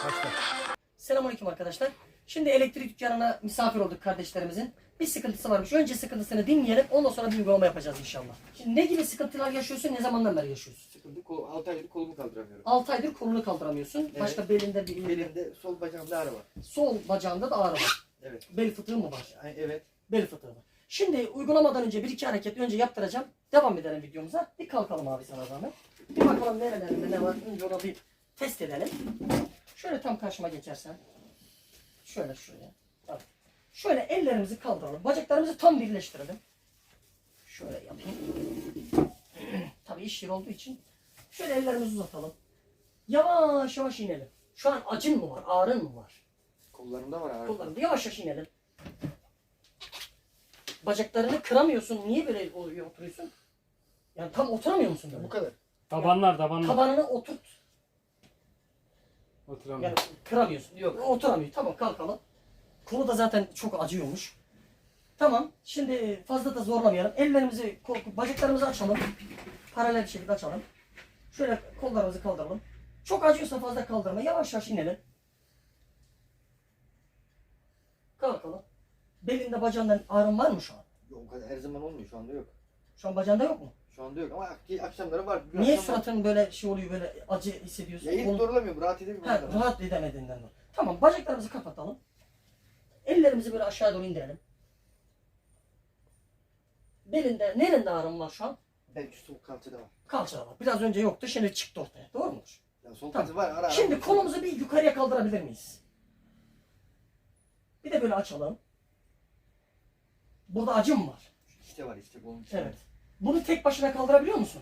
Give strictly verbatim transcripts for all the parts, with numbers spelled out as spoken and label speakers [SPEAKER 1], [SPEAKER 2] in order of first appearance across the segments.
[SPEAKER 1] Başla.
[SPEAKER 2] Selamünaleyküm arkadaşlar. Şimdi elektrik dükkanına misafir olduk kardeşlerimizin. Bir sıkıntısı varmış. Önce sıkıntısını dinleyelim. Ondan sonra bir uygulama yapacağız inşallah. Şimdi ne gibi sıkıntılar yaşıyorsun? Ne zamandan beri yaşıyorsun?
[SPEAKER 1] Sıkıntı kol, altı aydır kolumu kaldıramıyorum.
[SPEAKER 2] altı aydır kolunu kaldıramıyorsun.
[SPEAKER 1] Evet.
[SPEAKER 2] Başka belinde bir...
[SPEAKER 1] Belimde sol bacağımda ağrı var.
[SPEAKER 2] Sol bacağında da ağrı var.
[SPEAKER 1] Evet.
[SPEAKER 2] Bel fıtığı mı var?
[SPEAKER 1] Ay, evet.
[SPEAKER 2] Bel fıtığı var. Şimdi uygulamadan önce bir iki hareket önce yaptıracağım. Devam edelim videomuza. Bir kalkalım abi sana zahmet. Bir bakalım nerelerinde ne var. Önce onu bir test edelim. Şöyle tam karşıma geçersen. Şöyle şuraya. Bak. Şöyle ellerimizi kaldıralım. Bacaklarımızı tam birleştirelim. Şöyle yapayım. Tabii iş yeri olduğu için. Şöyle ellerimizi uzatalım. Yavaş yavaş inelim. Şu an acın mı var? Ağrın mı var?
[SPEAKER 1] Kollarımda var ağrı.
[SPEAKER 2] Kollarında yavaş yavaş inelim. Bacaklarını kıramıyorsun. Niye böyle oluyor, oturuyorsun? Yani tam oturamıyor musun böyle?
[SPEAKER 1] Bu kadar.
[SPEAKER 3] Tabanlar tabanlar.
[SPEAKER 2] Tabanını oturt.
[SPEAKER 3] Oturamıyor.
[SPEAKER 2] Yani kıramıyorsun. Yok oturamıyor. Tamam kalkalım. Kolu da zaten çok acıyormuş. Tamam. Şimdi fazla da zorlamayalım. Ellerimizi, kol, bacaklarımızı açalım. Paralel bir şekilde açalım. Şöyle kollarımızı kaldıralım. Çok acıyorsa fazla kaldırma. Yavaş yavaş inelim. Kalkalım. Belinde bacağından ağrın var mı şu an?
[SPEAKER 1] Yok, o kadar her zaman olmuyor, şu anda yok.
[SPEAKER 2] Şu an bacağında yok mu?
[SPEAKER 1] Şu anda yok ama ak- akşamları var. Bir
[SPEAKER 2] Niye
[SPEAKER 1] akşam var.
[SPEAKER 2] suratın böyle şey oluyor, böyle acı hissediyorsun?
[SPEAKER 1] Ya hiç
[SPEAKER 2] Kolun-
[SPEAKER 1] doğrulamıyorum, rahat edemiyorum.
[SPEAKER 2] Ha, rahat edemediğinden dolayı. Tamam, bacaklarımızı kapatalım. Ellerimizi böyle aşağı doğru indirelim. Belinde, nerede ağrım var şu an?
[SPEAKER 1] Belki sol kalçada var.
[SPEAKER 2] Kalçada var. Biraz önce yoktu, şimdi çıktı ortaya. Doğru mudur?
[SPEAKER 1] Ya sol
[SPEAKER 2] Tamam.
[SPEAKER 1] kalça var, ara ara.
[SPEAKER 2] Şimdi kolumuzu bir yukarıya kaldırabilir miyiz? Bir de böyle açalım. Burada acı mı var?
[SPEAKER 1] İşte var işte bunun için.
[SPEAKER 2] Evet. Bunu tek başına kaldırabiliyor musun?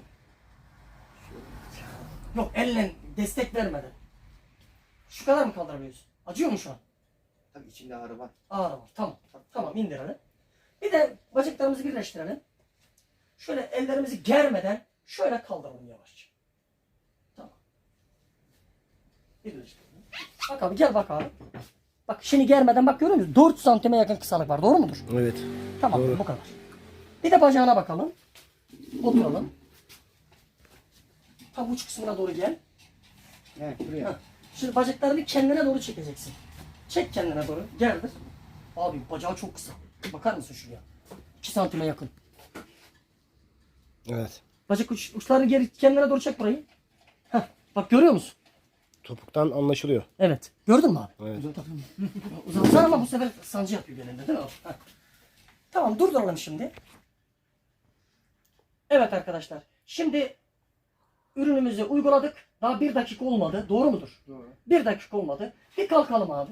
[SPEAKER 2] Yok, elle destek vermeden. Şu kadar mı kaldırabiliyorsun? Acıyor mu şu an?
[SPEAKER 1] Tabii içinde ağrı var.
[SPEAKER 2] Ağrı var. Tamam. Tamam, indirelim. Bir de bacaklarımızı birleştirelim. Şöyle ellerimizi germeden şöyle kaldıralım yavaşça. Tamam. Birleştirelim. Bak abi, gel bak abi. Bak şimdi germeden bak, görüyor musun? dört santime yakın kısalık var. Doğru mudur?
[SPEAKER 3] Evet.
[SPEAKER 2] Tamam,
[SPEAKER 3] Doğru.
[SPEAKER 2] bu kadar. Bir de bacağına bakalım. Oturalım. Tam uç kısmına doğru gel.
[SPEAKER 1] Evet, buraya.
[SPEAKER 2] Heh. Şimdi bacaklarını kendine doğru çekeceksin. Çek kendine doğru. Gerdir. Abi bacağı çok kısa. Bakar mısın şuraya? iki santime yakın.
[SPEAKER 3] Evet.
[SPEAKER 2] Bacak uç, uçlarını geri kendine doğru çek burayı. Heh. Bak görüyor musun?
[SPEAKER 3] Topuktan anlaşılıyor.
[SPEAKER 2] Evet. Gördün mü abi?
[SPEAKER 3] Evet.
[SPEAKER 2] Uzatsan ama bu sefer sancı yapıyor belinde, değil mi? Heh. Tamam, durduralım şimdi. Evet arkadaşlar. Şimdi ürünümüzü uyguladık. Daha bir dakika olmadı. Doğru mudur?
[SPEAKER 1] Doğru.
[SPEAKER 2] Bir dakika olmadı. Bir kalkalım abi.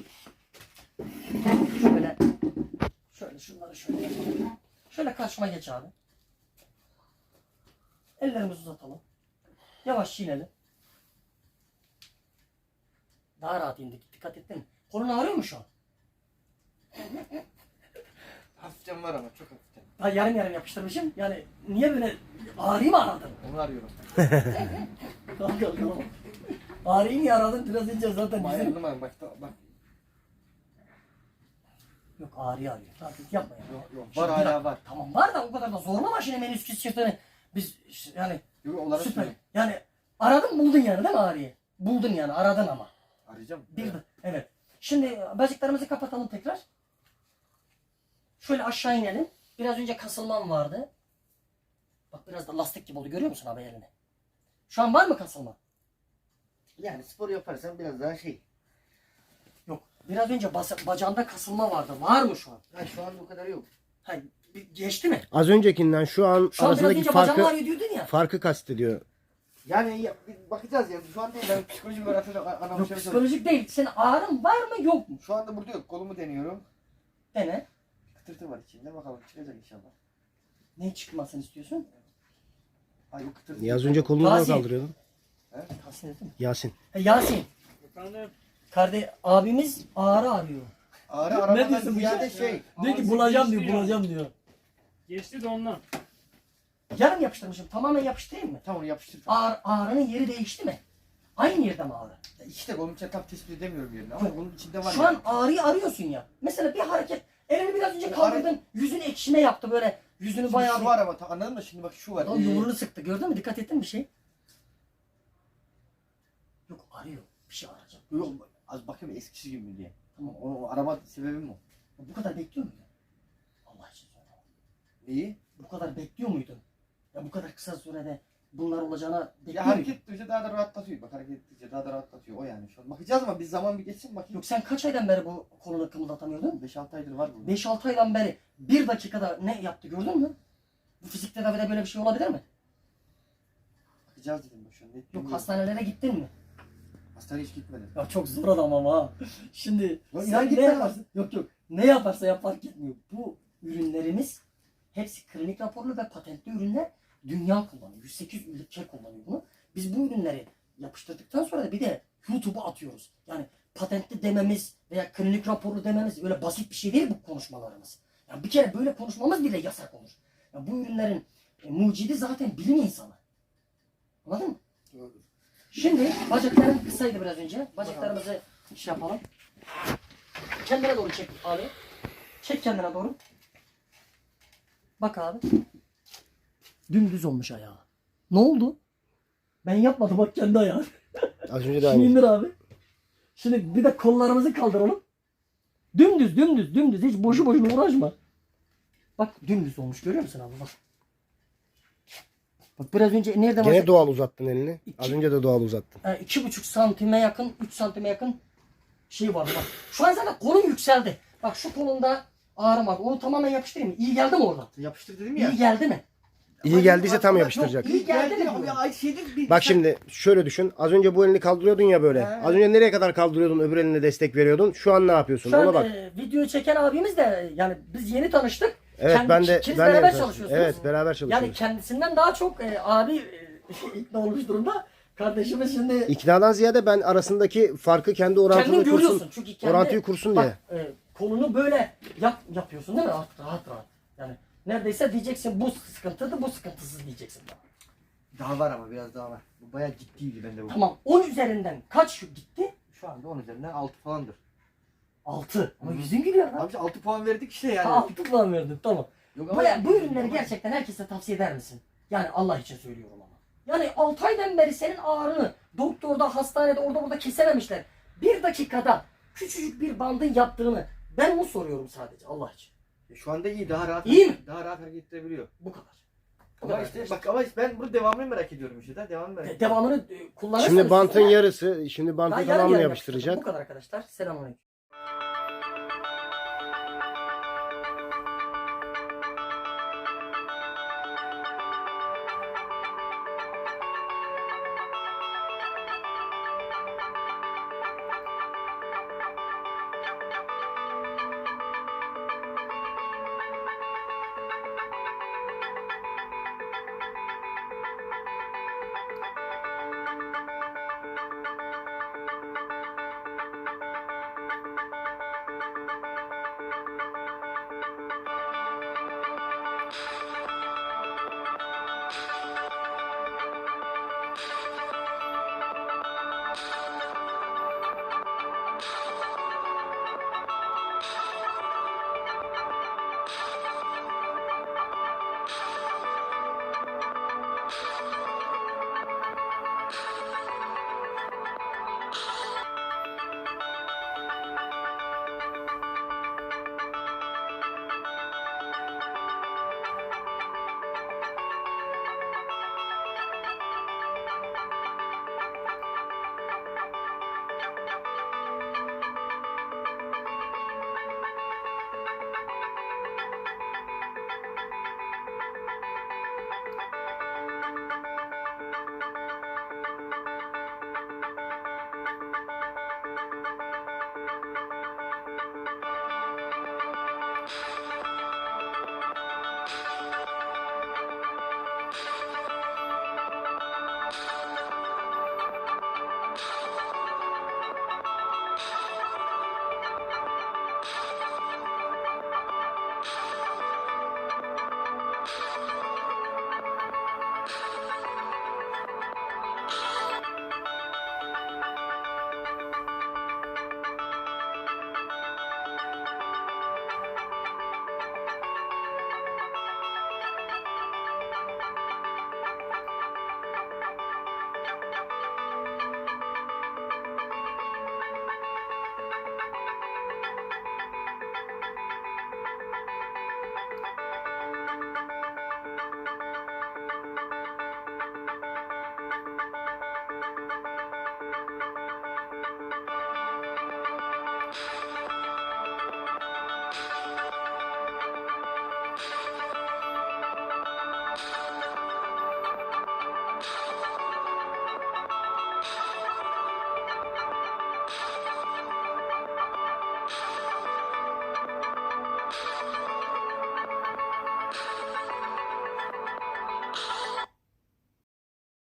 [SPEAKER 2] Şöyle. Şöyle şunları şöyle yapalım. Şöyle karşıma geç abi. Ellerimizi uzatalım. Yavaş inelim. Daha rahat indik. Dikkat ettin mi? Kolun ağrıyor mu şu an?
[SPEAKER 1] Hafiften var ama çok hafiften.
[SPEAKER 2] Ha, yarım yarım yapıştırmışım. Yani niye böyle ağrıyı mı aradın?
[SPEAKER 1] Onu arıyorum.
[SPEAKER 2] Kalk kalk kalk. Ağrıyı mı aradın? Biraz önce zaten
[SPEAKER 1] Ama
[SPEAKER 2] bizim...
[SPEAKER 1] ayarladım bak bak. bak.
[SPEAKER 2] Yok, ağrıyı arıyor. Takip yapma ya.
[SPEAKER 1] Yok yok.
[SPEAKER 2] Şimdi
[SPEAKER 1] Var
[SPEAKER 2] bir
[SPEAKER 1] hala
[SPEAKER 2] dakika.
[SPEAKER 1] var.
[SPEAKER 2] Tamam var da o kadar da zorlama şimdi menisküs çiftini. Biz yani
[SPEAKER 1] Yok onları
[SPEAKER 2] süper.
[SPEAKER 1] söyleyeyim.
[SPEAKER 2] Yani aradın buldun yani, değil mi ağrıyı? Buldun yani, aradın ama.
[SPEAKER 1] Arayacağım.
[SPEAKER 2] Bir de, evet. Şimdi bacaklarımızı kapatalım tekrar. Şöyle aşağı inelim. Biraz önce kasılmam vardı. Bak biraz da lastik gibi oldu, görüyor musun abi elini? Şu an var mı kasılma?
[SPEAKER 1] Yani spor yaparsan biraz daha şey.
[SPEAKER 2] Yok. Biraz önce bas- bacağında kasılma vardı. Var mı şu an?
[SPEAKER 1] Ha, şu an bu kadar yok.
[SPEAKER 2] Ha, bir- geçti mi?
[SPEAKER 3] Az öncekinden şu an
[SPEAKER 2] Şu an biraz
[SPEAKER 3] arasındaki
[SPEAKER 2] önce bacağım
[SPEAKER 3] farkı
[SPEAKER 2] ağrıyor diyordun ya.
[SPEAKER 3] farkı kastediyor.
[SPEAKER 1] Yani ya, bir bakacağız ya. Şu an değil. Ben psikolojik olarak
[SPEAKER 2] Yok,
[SPEAKER 1] anlamışım.
[SPEAKER 2] psikolojik değil. Senin ağrın var mı yok mu?
[SPEAKER 1] Şu anda burada yok. Kolumu deniyorum.
[SPEAKER 2] Dene.
[SPEAKER 1] Kıtırtı var içinde. Bakalım çıkacak inşallah.
[SPEAKER 2] Ne çıkmasını istiyorsun?
[SPEAKER 1] Ay o kıtırtı.
[SPEAKER 3] Ya az önce kolunu da
[SPEAKER 2] Gazi.
[SPEAKER 3] kaldırıyordun.
[SPEAKER 2] Tahsin ettin mi?
[SPEAKER 3] Yasin.
[SPEAKER 2] Ha, Yasin.
[SPEAKER 3] Efendim?
[SPEAKER 2] Kardeş abimiz ağrı arıyor.
[SPEAKER 1] Ağrı arabadan
[SPEAKER 2] diyorsun bu
[SPEAKER 1] ziyade
[SPEAKER 2] işe?
[SPEAKER 1] şey.
[SPEAKER 2] Diyor ki
[SPEAKER 3] Ağrısı
[SPEAKER 2] bulacağım diyor,
[SPEAKER 3] geçti ya.
[SPEAKER 2] bulacağım diyor.
[SPEAKER 3] Geçti de ondan.
[SPEAKER 2] Yarım yapıştırmışım. Tamamen yapıştırayım mı?
[SPEAKER 1] Tamam yapıştır.
[SPEAKER 2] Ağrı, ağrının yeri değişti mi? Aynı yerde mi ağrı?
[SPEAKER 1] İşte kolum içinde tam tespit edemiyorum yerini ama bunun içinde var.
[SPEAKER 2] Şu
[SPEAKER 1] ya.
[SPEAKER 2] an ağrıyı arıyorsun ya. Mesela bir hareket. Elini biraz önce
[SPEAKER 1] Bu
[SPEAKER 2] kaldırdın. Yüzünü ekşime yaptı böyle. Yüzünü
[SPEAKER 1] Şimdi
[SPEAKER 2] bayağı
[SPEAKER 1] şu
[SPEAKER 2] bir...
[SPEAKER 1] var ama ta- anladın mı? Şimdi bak şu var.
[SPEAKER 2] Lan
[SPEAKER 1] Ee,
[SPEAKER 2] yumruğunu sıktı. Gördün mü? Dikkat ettin mi bir şey? Yok, arıyor. Bir şey arayacağım.
[SPEAKER 1] Yok az bakayım eskisi gibi mi diye. Tamam onu o arama sebebim o.
[SPEAKER 2] Bu kadar bekliyor muydun? Allah için söyle.
[SPEAKER 1] İyi.
[SPEAKER 2] Bu kadar bekliyor muydun? Ya bu kadar kısa sürede bunlar olacağına bekliyor
[SPEAKER 1] Ya
[SPEAKER 2] muydun?
[SPEAKER 1] hareket ettikçe daha da rahatlatıyor. Bak hareket ettikçe daha da rahatlatıyor. O yani şu an. Bakacağız ama biz zaman bir geçsin bakayım.
[SPEAKER 2] Yok sen kaç aydan beri bu kolunu kımıldatamıyordun?
[SPEAKER 1] beş altı aydır var bu.
[SPEAKER 2] beş altı aydan beri bir dakikada ne yaptı gördün mü? Bu fizik tedavide böyle bir şey olabilir mi?
[SPEAKER 1] Bakacağız dedim bak şu an. Net
[SPEAKER 2] Yok
[SPEAKER 1] bilmiyorum.
[SPEAKER 2] hastanelere gittin mi?
[SPEAKER 1] Hastaneye hiç gitmedim.
[SPEAKER 2] Ya çok zor adam ama ha. Şimdi
[SPEAKER 1] Ya
[SPEAKER 2] sen
[SPEAKER 1] inan
[SPEAKER 2] ne
[SPEAKER 1] gitme
[SPEAKER 2] yaparsın? Yok yok. Ne yaparsa yap fark etmiyor. Bu ürünlerimiz hepsi klinik raporlu ve patentli ürünler. Dünya kullanıyor. yüz sekiz ülke kullanıyor bunu. Biz bu ürünleri yapıştırdıktan sonra da bir de YouTube'a atıyoruz. Yani patentli dememiz veya klinik raporlu dememiz öyle basit bir şey değil bu konuşmalarımız. Yani bir kere böyle konuşmamız bile yasak olur. Yani bu ürünlerin e, mucidi zaten bilim insanı. Anladın mı? Şimdi bacaklarım kısaydı biraz önce. Bacaklarımızı şey yapalım. Kendine doğru çek abi. Çek kendine doğru. Bak abi. Dümdüz olmuş ayağı. Ne oldu? Ben yapmadım bak kendi ayağı.
[SPEAKER 3] Az önce de
[SPEAKER 2] Şimdi
[SPEAKER 3] aynı.
[SPEAKER 2] indir abi. Şimdi bir de kollarımızı kaldıralım. Dümdüz dümdüz dümdüz hiç boşu boşuna uğraşma. Bak dümdüz olmuş görüyor musun abi bak. Bak biraz önce nerede
[SPEAKER 3] Gene
[SPEAKER 2] var?
[SPEAKER 3] doğal uzattın elini. Az önce de doğal uzattın.
[SPEAKER 2] Yani iki buçuk santime yakın, üç santime yakın şey var bak. Şu an zaten kolun yükseldi. Bak şu kolunda ağrım var. Onu tamamen yapıştırayım mı? İyi geldi mi oradan?
[SPEAKER 1] Yapıştır dedim ya.
[SPEAKER 2] İyi geldi mi?
[SPEAKER 3] İyi geldiyse tam
[SPEAKER 1] Yok,
[SPEAKER 3] yapıştıracak.
[SPEAKER 2] iyi geldi mi
[SPEAKER 1] ya.
[SPEAKER 2] bu?
[SPEAKER 1] Ya ay şeydir bir.
[SPEAKER 3] Bak şimdi şöyle düşün. Az önce bu elini kaldırıyordun ya böyle.
[SPEAKER 1] He.
[SPEAKER 3] Az önce nereye kadar kaldırıyordun, öbür eline destek veriyordun. Şu an ne yapıyorsun?
[SPEAKER 2] Şu
[SPEAKER 3] Ona
[SPEAKER 2] an
[SPEAKER 3] bak.
[SPEAKER 2] e, videoyu çeken abimiz de yani biz yeni tanıştık.
[SPEAKER 3] Evet
[SPEAKER 2] Kendi-
[SPEAKER 3] ben de
[SPEAKER 2] ikiniz
[SPEAKER 3] ben de
[SPEAKER 2] beraber
[SPEAKER 3] yapıyorum.
[SPEAKER 2] çalışıyorsunuz.
[SPEAKER 3] Evet beraber
[SPEAKER 2] Yani
[SPEAKER 3] çalışıyoruz.
[SPEAKER 2] kendisinden daha çok e, abi e, ikna olmuş durumda. Kardeşimiz şimdi
[SPEAKER 3] İknadan ziyade ben arasındaki farkı kendi
[SPEAKER 2] kendin
[SPEAKER 3] orantını
[SPEAKER 2] görüyorsun.
[SPEAKER 3] kursun.
[SPEAKER 2] Çünkü kendi,
[SPEAKER 3] Orantıyı kursun diye.
[SPEAKER 2] bak, e, kolunu böyle yap, yapıyorsun değil mi? Rahat rahat. rahat. Yani neredeyse diyeceksin bu sıkıntılı bu sıkıntısız diyeceksin.
[SPEAKER 1] Daha var ama biraz daha var. Bu bayağı ciddiydi bende bu.
[SPEAKER 2] Tamam on üzerinden kaç gitti?
[SPEAKER 1] Şu anda on üzerinden altı falandır.
[SPEAKER 2] altı. Ama
[SPEAKER 1] Hı.
[SPEAKER 2] yüzün gülüyor lan.
[SPEAKER 1] Abi altı puan verdik işte yani.
[SPEAKER 2] Ha, altı puan verdin tamam.
[SPEAKER 1] Yok
[SPEAKER 2] Bu, bu ürünleri gerçekten herkese tavsiye eder misin? Yani Allah için söylüyorum ama. Yani altı aydan beri senin ağrını doktorda, hastanede, orada burada kesememişler. Bir dakikada küçücük bir bandın yaptığını ben onu soruyorum sadece Allah için.
[SPEAKER 1] Şu anda iyi, daha rahat.
[SPEAKER 2] İyi mi?
[SPEAKER 1] Daha rahat hareket edebiliyor.
[SPEAKER 2] Bu kadar. Bu
[SPEAKER 1] Ama
[SPEAKER 2] kadar
[SPEAKER 1] işte
[SPEAKER 2] arkadaşlar.
[SPEAKER 1] bak ama işte ben bunu devamını merak ediyorum işte de devamını merak
[SPEAKER 2] De-
[SPEAKER 1] ediyorum.
[SPEAKER 2] devamını e, kullanırsanız
[SPEAKER 3] Şimdi bantın
[SPEAKER 2] size-
[SPEAKER 3] yarısı, şimdi
[SPEAKER 2] Ben
[SPEAKER 3] bantın
[SPEAKER 2] yarım
[SPEAKER 3] tamamını
[SPEAKER 2] yarım
[SPEAKER 3] yapıştıracak.
[SPEAKER 2] yapıştırdım. Bu kadar arkadaşlar. Selamünaleyküm.